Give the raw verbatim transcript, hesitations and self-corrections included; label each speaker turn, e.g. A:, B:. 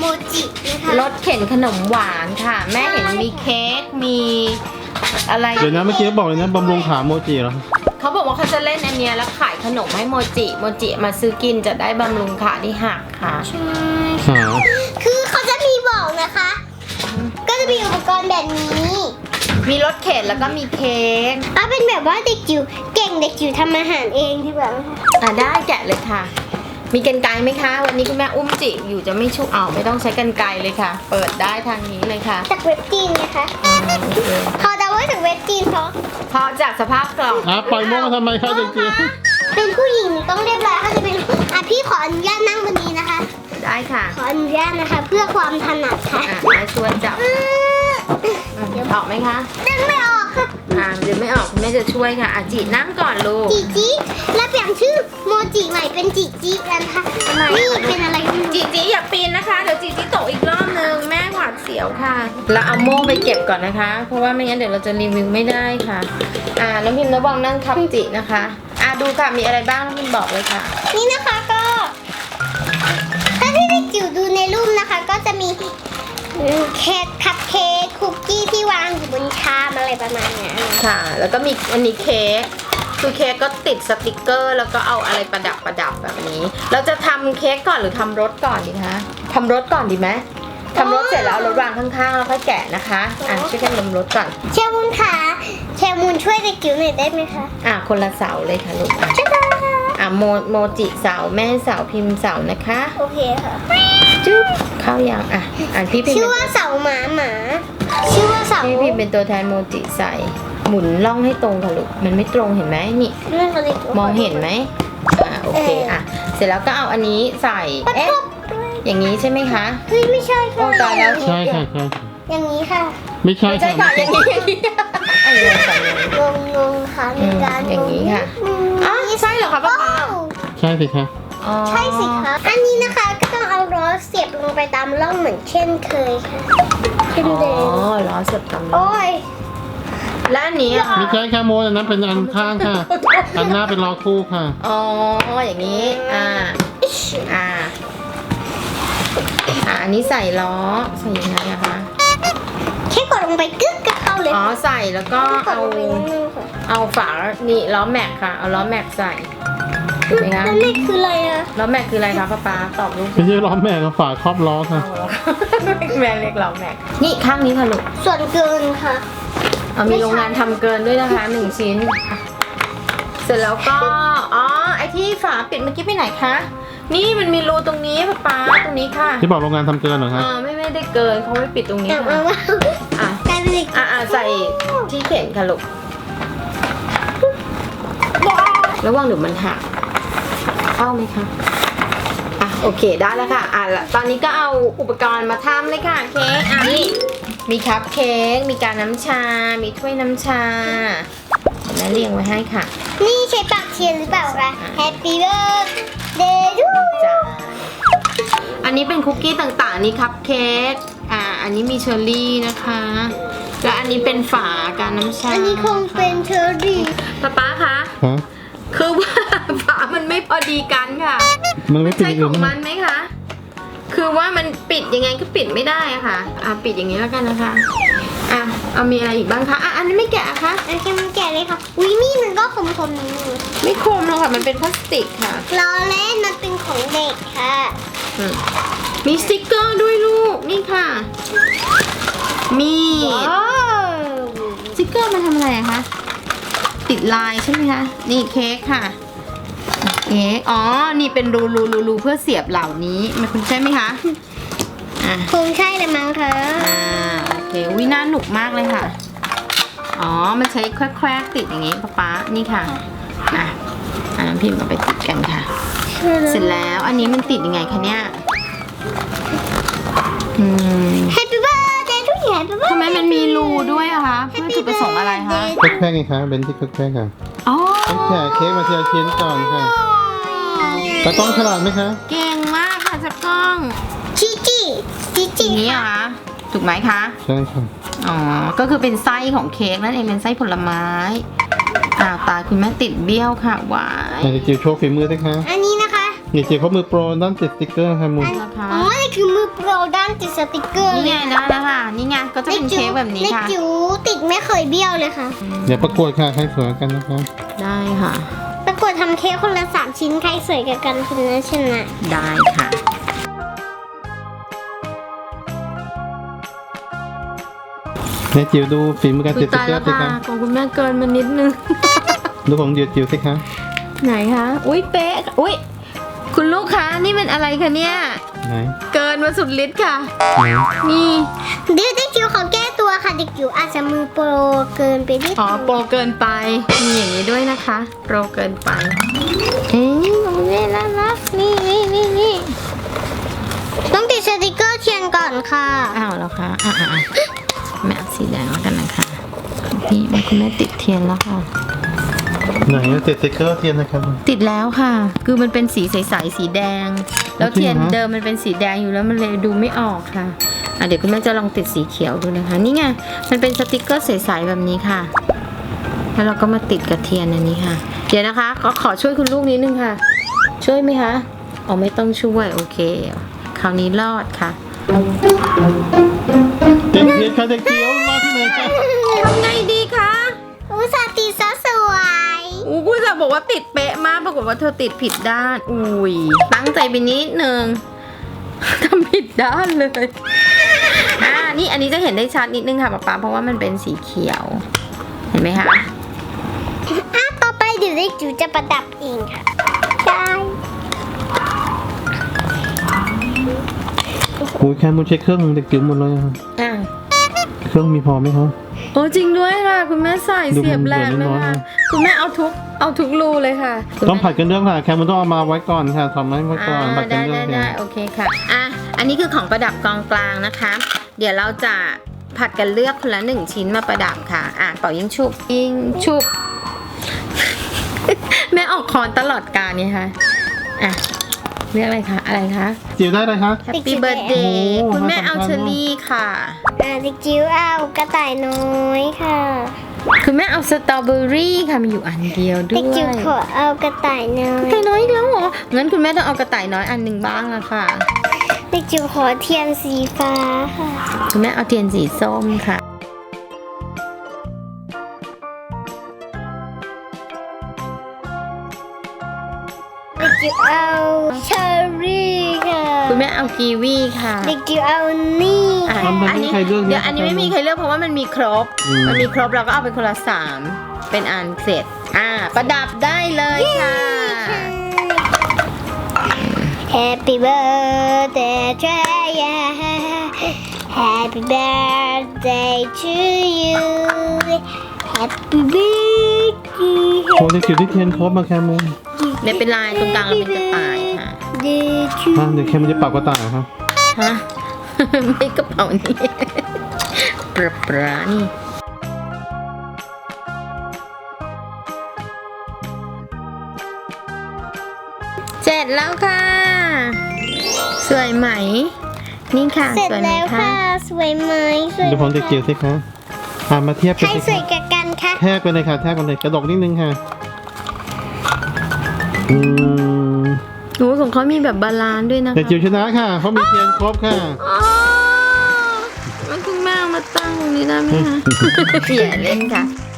A: จินะคะ
B: รถเข็นขนมหวานค่ะ แม่เห็นมีเค้กมีอะไร
C: เดี๋ยวนะเมื่อกี้บอกเลยนะบำรุงขาโมจิเหรอ
B: เขาบอกว่าเขาจะเล่นอันเนี้ยแล้วขายขนมให้โมจิโมจิมาซื้อกินจะได้บำรุงขาที่หักค่ะ
A: ใช่
C: หา
A: คือเขาจะมีบอกนะคะ ก็จะมีอุปกรณ์แบบนี้
B: มีรถเข็นแล้วก็มีเค้ก
A: ถ้าเป็นแบบว่าเด็กจิ๋วเก่งเด็กจิ๋วทำอาหารเองที่แบบ
B: อ่ะได้แกะเลยค่ะ มีกรรไกรไหมคะ วันนี้คุณแม่อุ้มจิอยู่จะไม่ชุบเอาไม่ต้องใช้กรรไกรเลยค่ะ เปิดได้ทางนี้เลยค่ะ
A: จากเว็บจีนนะคะ
B: อืมโอเค
A: เขาจะว่าจากเว็บจีนเพราะ
B: พอจากสภาพกล่อง
C: อ่ะปล่อยโมมาทำไมคะเด็กจิ๋ว
A: เป็นผู้หญิงต้องเรียบร้อยเขาจะเป็นอ่ะพี่ขออนุญาตนั่งบนนี้นะคะ
B: ได้ค่ะ
A: ขออนุญาตนะคะ เพื่อความถนัดค่ะ
B: อ่ะแม่ชวนจับ
A: อืม
B: อืมออกไหมคะ
A: ดึงไม่ออกค่ะ
B: อ่าเดี๋ยวไม่ออกคุณแม่จะช่วยค่ะอ่ะจีนั่งก่อนลูก
A: จิจิแล้วเปลี่ยนชื่อโมจิใหม่เป็นจิจิแล้วนะคะนี่เป็นอะไรไม่รู้
B: จีจีอย่าปีนนะคะ เดี๋ยวจีจีตกอีกรอบนึงแม่หวาดเสียวค่ะ แล้วเอาโม่ไปเก็บก่อนนะคะ เพราะว่าไม่งั้นเดี๋ยวเราจะรีวิวไม่ได้ค่ะ อ่าน้องพิมพ์ระวังนั่งทับจินะคะ อ่าดูค่ะมีอะไรบ้างน้องพิมพ์บอกเลยค่ะ
A: นี่นะคะก็ถ้าที่เด็กจิ๋วดูในรูปนะคะ ก็จะมีเค้กคัพเค้กคุกกี้ที่วางอยู่บนชามอะไรประมาณเนี้ย
B: ค่ะ แล้วก็มีอันนี้เค้กคือเค้กก็ติดสติกเกอร์ แล้วก็เอาอะไรประดับประดับแบบนี้ เราจะทำเค้กก่อนหรือทำรสก่อนดีคะทำรสก่อนดีไหมทำรสเสร็จแล้วเอารสวางข้างๆแล้วค่อยแกะนะคะอ่ะช่วยกันลมรสก่อน
A: เชลมูนค่ะเชลมูนช่วยเด็กจิ๋วหน่อยได้ไหมคะ
B: อ่ะคนละเสาเลยค่ะลูกอ่ะ
A: ช่วยได้ค่ะ
B: อ่ะโมโมจิเสาแม่เสาพิมพ์เสานะคะ
A: โอเคค่ะ
B: จุ๊บเข้ายังอ่ะอ่านพี่พิมพ์
A: ชื่อ
B: เป็น
A: ว่าเสาหมาหมาชื่อว่าเสา
B: พี่พิมพ์เป็นตัวแทนโมจิใส่หมุนล่องให้ตรงค่ะลูกมันไม่ตรงเห็นไหมนี่
A: เรื่องอะไร
B: มองเห็นไหมอ่าโอเคอ่ะเสร็จแล้วก็เอาอันนี้ใส่
A: ประ
B: เอ๊ะ
A: กบ
B: อย่างนี้ใช่ไหมคะ
A: เฮ้ยไม่ใช่ค่ะ
B: โอ้ตายแล้ว
C: ใช่ค่ะใช่
A: อย่างนี้ค่ะ
C: ไม่ใช่
B: ไม่ใช่
C: ค่ะ
B: ค่ะอย่างนี้อย่างนี้อันนี้ใส่อย่างนี้
A: งงงงค่ะมีการ
B: อืมอย่างนี้ค่ะ
A: อืม
B: อ๋อใช่เหรอคะป้าป๊า
A: โอ้
C: ใช่สิคะ
B: อ๋อ
A: ใช่สิคะอันนี้นะคะก็ต้องเอาล้อเสียบลงไปตามร่องเหมือนเช่นเคยค่ะเช่น
B: อ๋
A: เดิม
B: อล้อเสียบตำ
A: โอ้ย
B: และอันนี้อ่ะ
C: ไม่ใช่ค่ะโมอันนั้นเป็นอันข้างค่ะ อันหน้าเป็นล้อคู่ค่ะ
B: อ๋ออย่างนี้อ่าอ่าอ่าอันนี้ใส่ล้อใส่ยังไงอะคะ
A: แค่กดลงไปกึ๊กก็เข้าเลย
B: อ๋อใส่แล้วก็
A: กด
B: เอา
A: ลงไปนิดนึงค่ะ
B: เอาฝานี่ล้อแม็กค่ะเอาล้อแม็กใส่เห็นไหมคะ
A: แล้วนี่คืออะไรอะ
B: ล้อแม็กคืออะไรคะป้าป๊าตอบลูก
C: ไม่ใช่ล้อแม่กับฝาครอบล้อค่ะ
B: เอาเหรอ แม่เรียกล้อแม็กนี่ข้างนี้ค่ะลูก
A: ส่วนเกินค่ะ
B: เอามีโรงงานทำเกินด้วยนะคะหนึ่งชิ้น เสร็จแล้วก็อ๋อไอที่ฝาปิดเมื่อกี้ไปไหนคะนี่มันมีรูตรงนี้ป้าป๊าตรงนี้ค่ะ
C: ที่บอกโรงงานทำเกินเหรอคะ
B: อ่าไม่ไม่ได้เกินเขาไม่ปิดตรงนี้
A: แต่
B: ค่ะ
A: ว่า
B: อ่ะ
A: กลายเป็นเด็ก
B: อ่ะอ่ะใส่ที่เข็นค่ะลูกระวังเดี๋ยวมันหักเข้าไหมคะอ่ะโอเคได้แล้วค่ะอ่ะแล้วตอนนี้ก็เอาอุปกรณ์มาทำเลยค่ะเค้กอ่ะนี่มีคัพเค้กมีการน้ำชา มีถ้วยน้ำชาเดี๋ยวแม่เรียงไว้ให้ค่ะ
A: นี่ใช้ปากเทียนหรือเปล่าคะ Happy birthday to
B: จ้าอันนี้เป็นคุกกี้ต่างๆอันนี้คัพเค้กอ่าอันนี้มีเชอร์รี่นะคะและอันนี้เป็นฝาการน้ำชา
A: อันนี้คงเป็นเชอร์รี่
B: ป๊าป๊าคะ
C: ฮะ
B: คือว่า ฝามันไม่พอดีกันค่ะ
C: มันไม่ปิด
B: ใช่
C: อีก
B: ข
C: อื่
B: อน ง
C: มั้
B: มั
C: ย
B: นไหมคะ คือว่ามันปิดยังไงก็ปิดไม่ได้อะค่ะ อ่ะปิดอย่างนี้แล้วกันนะคะ อ่ะเอามีอะไรอีกบ้างคะ อ่ะอันนี้ไม่แกะอะคะ
A: อันนี้มันแก่เลยค่ะวินี่มันก็คมๆนิดนึง
B: ไม่คมหรอกค่ะ มันเป็นพลาสติกค่ะ
A: ล้อเล่นมันเป็นของเด็กค่ะ
B: อืมมีสติกเกอร์ด้วยลูก นี่ค่ะ มี
A: ว้าว
B: สติกเกอร์มันทำอะไรอะคะ ติดลายใช่ไหมคะ นี่เค้กค่ะ เค้ก อ๋อ นี่เป็นรูรูรูรูเพื่อเสียบเหล่านี้ มันคุณใช่ไหมคะ อ่ะ
A: คงใช่เลยมั้งคะ
B: อ่าโอเควิน่าหนุกมากเลยค่ะ อ๋อ มันใช้แควกๆติดอย่างงี้ป๊าป๊านี่ค่ะ อ่ะอ่าน้ำพิมพ์เอาไปติดกันค่ะ เสร็จแล้วอันนี้มันติดยังไงคะเนี่ย อืม
A: แฮปปี้เบิร์ดเดย์ทุกอย่าง Happy birthday
B: ทำไมมันมีรูด้วยอะคะ เพื่อจุดประสงค์อะไรคะ
C: แค่ไงคะเบนที่แค่ค่ะ
B: อ๋อ
C: ต้องแกะเค้กมาทีละชิ้นก่อนค่ะตากล้องฉลาดไหมคะ
B: เก่งมากค่ะจักรกล้อง
A: ชิจิชิ
B: อ
A: จิ
B: ย่างนี้เหรอคะ ถูกไหมคะ
C: ใช่ค่ะ
B: อ๋อ ก็คือเป็นไส้ของเค้กนั่นเองเป็นไส้ผลไม้ อ่าตายคุณแม่ติดเบี้ยวค่ะวาย
C: ไหนจะจิ๋วโชว์ฝีมือสิคะ
A: อันนี้นะคะ
C: เด็กจิ๋วเขามือโปรด้านติดสติ๊กเกอร์ค่ะมูล
B: ราคา
A: อ๋อนี่คือมือโปรด้านติดสติกเกอร์
B: นี่
A: เล
B: ไง
A: ย
B: ได้แล้วค่ะ นี่ไงก็จะเป็นเค้กแบบนี้ค่ะ
A: เด็กจิ๋วติดไม่เคยเบี้ยวเลยค่ะ
C: เดี๋ยวประกวดค่ะใครสวยกันนะคะ
B: ได้ค่ะ
A: ประกวดทำเค้กคนละสามชิ้นใครสวยกว่ากันคนนั้นชนะ
B: ได้ค่ะ
C: เด็กจิ๋วดูฝีมือการ
B: คุ
C: ติ
B: ย
C: ดสติ๊
B: ตาก ย
C: เกอ
B: แล้ว
C: ร์สิ
B: ค่ะ
C: คะ
B: ของคุณแม่เกินมานิดนึง
C: ดูของเด็กจิ๋วสิคะ
B: ไหนคะ อุ้ยเป๊ะ อุ้ยคุณลูกค้านี่เป็นอะไรคะเนี่ย
C: ไหน
B: เกินมาสุดฤทธิ์ค่ะ
C: ไหน
B: นี่
A: เดี๋ยวเด็กจิ๋วขอแก้ตัวค่ะเด็กจิ๋วอาจจะมือโปรเกินไปนิด
B: อ๋อโปรเกินไป มีอย่างนี้ด้วยนะคะ โปรเกินไป เอ๊ะของแม่น่ารักนี่นี่นี่นี่
A: ต้องติดสติกเกอร์เทียนก่อนค่ะ
B: อ้าวแล้วคะอ่ะอ่ะอ่ะแม่เอาสีแดงแล้วกันนะคะพี่คุณแม่ติดเทียนแล้วค่ะ
C: ไหนติดสติ๊กเกอร์เทียนนะครับ
B: ติดแล้วค่ะ คือมันเป็นสีใสๆสีแดง แล้วเทียนเดิมมันเป็นสีแดงอยู่แล้วมันเลยดูไม่ออกค่ะอ่ะเดี๋ยวคุณแม่จะลองติดสีเขียวดูนะคะ นี่ไง มันเป็นสติกเกอร์ใสๆแบบนี้ค่ะ แล้วเราก็มาติดกับเทียนอันนี้ค่ะ เดี๋ยวนะคะขอขอช่วยคุณลูกนิดนึงค่ะ ช่วยไหมคะอ๋อไม่ต้องช่วยโอเค คราวนี้รอดค่ะ
C: เด็กเทียนค่ะเด็กจิ๋วรอที่ไหนคะ
B: ทำไงดีคะ
A: อุตส่าห์ติดซะสวย
B: อู้กูจะบอกว่าติดเป๊ะมากปรากฏว่าเธอติดผิดด้าน อุ้ยตั้งใจไปนิดนึง ทำผิดด้านเลย อ่า นี่อันนี้จะเห็นได้ชัดนิดนึงค่ะป๊าป๊าเพราะว่ามันเป็นสีเขียว เห็นไหมคะ
A: อ่ะต่อไปเดี๋ยวเด็กจิ๋วจะประดับเองค่ะได้
C: โอ้ยแคมูลเช็คเครื่องเด็กจิ๋วหมดเลยอะ
B: อ่า
C: เครื่องมีพอไหมคะ
B: โอ้จริงด้วยค่ะ คุณแม่ใส่
C: ดู
B: เสียบแหลม
C: เหมื
B: เล
C: อน
B: ย
C: น้อยๆ
B: ค่ะ
C: นะ
B: คุณแม่เอาทุก เอาทุกรูเลยค่ะ
C: ต้องผัดกันเรื่องค่ะแคมูลต้องเอามาไว้ก่อนค่ะทำให้ไว้ก่อนผั
B: อ่า
C: ดกั
B: ได้
C: นเรื่อ
B: ได้
C: ง
B: ได้โอเคค่ะ อ่ะ อันนี้คือของประดับกองกลางนะคะ เดี๋ยวเราจะผัดกันเลือกคนละหนึ่งชิ้นมาประดับค่ะ อ่ะเป่ายิงชุบยิงชุบ แม่ออกคอนตลอดการเนี่ยค่ะ อ่ะ เรียกอะไรคะ อะไรคะ
C: จิ๋วได้เลยคะ
B: Happy Birthday
C: โอ้
B: คุณแม่เอา
C: น่าสำคัญ
B: เชอรี่ค่ะ
A: อ่ะเด็กจิ๋วเอากระต่ายน้อยค่ะ
B: คุณแม่เอาสตรอเบอรี่ค่ะมีอยู่อันเดียวด้
A: เด็ก
B: วย
A: จิ๋วขอเอากระต่ายน้อก
B: ระ
A: ย
B: ต่ายน้อยอีกแล้วเหรอ งั้นคุณแม่ต้องเอากระต่ายน้อยอันหนึ่งบ้างละค่ะ
A: เด็กจิ๋วขอเทียนสีฟ้าค่ะ
B: คุณแม่เอาเทียนสีส้มค่ะ
A: เด็กจิ๋วเอาเชอร์รี่ค่ะ
B: คุณแม่เอากีวีค่ะ
A: เด็กจิ๋วเอานี่
B: อ่ะ
C: ทำแบบนี้ใครเลือก
B: เดี๋ยวอันนี้ไม่มีใครเลือกเพราะว่ามันมีครบ
C: อืม
B: มันมีครบเราก็เอาไปคนละสาม เป็นอันเสร็จ อ่า ประดับได้เลยค่ะ
A: Happy birthday to you Happy birthday to you Happy birthday
C: โอ้เด็กจิ๋วที่เทียนครบมาแคมูล
B: เนี่ยเป็นลายตรงกลางเราเป็นกระต่ายค่ะ
A: Day to
C: ฮะเดี๋ยวแคมูลจะปรับกระต่ายเหรอคะ
B: ฮะ ไม่กระเป๋านี่ ปลาปลานี่ เสร็จแล้วค่ะ สวยไหม นี่ค่ะ
A: เสร็จ
B: สวยไหม
A: แล้ว
B: คะ
A: ค่ะ สวยไหมสวย
C: ดูของเด็กจิ๋วสิคะอ่ามาเทียบ
A: ใค
C: กัน
A: ร
C: สิ
A: สว
C: คะ
A: ยกับกันคะ
C: แทบไปเลยค่ะแทบกันเลยกระดกนิดนึงค่ะอืม
B: โอ้ของเขามีแบบบาลานซ์ด้วยนะ
C: เด็ก
B: คะ
C: จิ๋วชนะค่ะเขามีเทียนครบค่ะ
B: อ๋อมันคุณแม่เอามาตั้งตรงนี้ได้ไหมคะ อย่าเล่นค่ะ